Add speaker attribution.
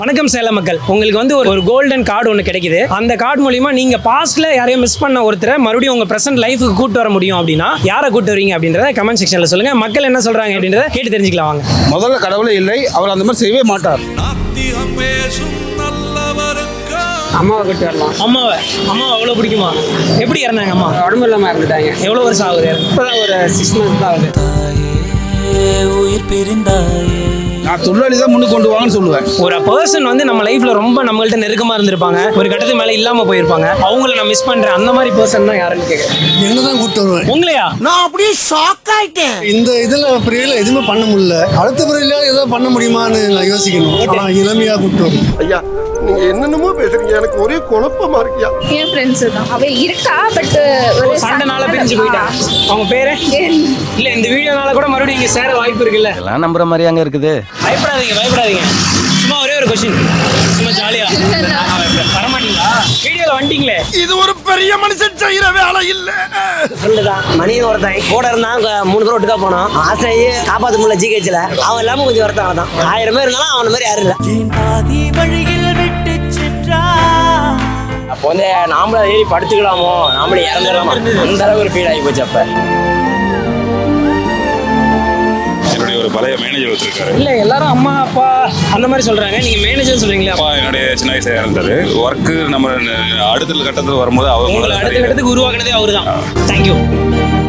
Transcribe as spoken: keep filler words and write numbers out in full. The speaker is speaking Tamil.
Speaker 1: வணக்கம் சேலம் மக்கள், உங்களுக்கு வந்து ஒரு ஒரு கோல்டன் கார்டு ஒன்று கிடைக்குது. அந்த கார்டு மூலியமா நீங்க பாஸ்ட்ல யாரையும் மிஸ் பண்ண ஒருத்தரை மறுபடியும் உங்க பிரசன்ட் லைஃபுக்கு கூட்டு வர முடியும் அப்படின்னா யாரை கூட்டு வரீங்க அப்படின்றத கமெண்ட் செக்ஷன்ல சொல்லுங்க. மக்கள் என்ன சொல்றாங்க அப்படின்றத கேட்டு தெரிஞ்சுக்கலாம் வாங்க.
Speaker 2: முதல்ல கடவுளே இல்லை, அவர் அந்த மாதிரி செய்யவே மாட்டார்.
Speaker 3: அம்மாவை கூட்டு வரலாம்.
Speaker 1: அம்மாவை அம்மாவை அவ்வளோ பிடிக்குமா? எப்படி இறந்தாங்க அம்மா?
Speaker 3: உடம்பு இல்லாமல் இறந்துட்டாங்க.
Speaker 1: எவ்வளோ வருஷம் ஆகுது?
Speaker 3: இப்போதான் ஒரு சிக்ஸ் மந்த்ஸ் தான் ஆகுது.
Speaker 4: உயிர் பிரிந்தாயே
Speaker 2: நான் தொழிலாளி தான் முன்னுக்கு கொண்டு வாங்கன்னு சொல்லுவேன்.
Speaker 1: ஒரு பர்சன் வந்து நம்ம லைஃப்ல ரொம்ப நம்மள்ட்ட நெருக்கமா இருந்திருப்பாங்க, ஒரு கட்டத்துக்கு மேல இல்லாம போயிருப்பாங்க, அவங்கள நான் மிஸ் பண்றேன். அந்த மாதிரி பர்சன் தான் யாருன்னு கேட்குறேன்.
Speaker 5: என்னதான் கூப்பிட்டு வருவேன்.
Speaker 1: உங்களையா?
Speaker 5: நான் அப்படியே ஷாக் ஆயிட்டேன். இந்த இதுல பிரிவில் எதுவுமே பண்ண முடியல. அடுத்த பிரிவில் ஏதாவது பண்ண முடியுமான்னு நான் யோசிக்கணும். ஆனால் இளமையா கூப்பிட்டு வரும்.
Speaker 6: ஐயா நீங்க என்னென்னமோ பேசுறீங்க, எனக்கு ஒரே குழப்பமா இருக்கியா.
Speaker 7: என் ஃப்ரெண்ட்ஸ் தான். அவ இருக்கா, பட் ஒரு
Speaker 1: சண்டைனால பிரிஞ்சு போயிட்டா. அவங்க பேரு இல்ல, இந்த வீடியோனால கூட மறுபடியும் இங்க சேர வாய்ப்பு இருக்குல்ல.
Speaker 4: எல்லாம் நம்புற மாதிரி அங்க இருக்குது.
Speaker 1: பயப்படாதீங்க பயப்படாதீங்க சும்மா ஒரே ஒரு கொஸ்டின், சும்மா ஜாலியா வரமாட்டீங்களா? வீடியோல வந்துட்டீங்களே,
Speaker 6: இது ஒரு பெரிய மனுஷன் செய்யற வேலை இல்ல.
Speaker 8: ஃப்ரெண்டுதான் மணியும் ஒருத்தன் கூட இருந்தாங்க. மூணு பேர் ஒட்டுக்கா போனோம். ஆசையே காப்பாற்ற முடியல ஜிஹெச்ல. அவன் இல்லாம கொஞ்சம் ஒருத்தன் தான். ஆயிரம் பேர் இருந்தாலும் அவன மாதிரி யாரும் இல்லை.
Speaker 3: அப்போ வந்து நாமளே ஏறி படுத்துக்கலாமோ, நாமளே இறந்துடலாமா, அந்த அளவுக்கு ஒரு ஃபீல் ஆகி போச்சு. அப்ப
Speaker 9: என்னுடைய ஒரு பழைய மேனேஜர் வச்சிருக்காரு.
Speaker 1: இல்ல எல்லாரும் அம்மா அப்பா அந்த மாதிரி சொல்றாங்க, நீங்க மேனேஜர் சொல்றீங்களா?
Speaker 9: அப்பா என்னுடைய சின்ன வயசுல இறந்தாரு. ஒர்க்கு நம்ம அடுத்த கட்டத்தில் வரும்போது
Speaker 1: உங்களை அடுத்த
Speaker 9: அவர்
Speaker 1: கட்டத்துக்கு உருவாக்குனதே அவரு தான். தேங்க்யூ.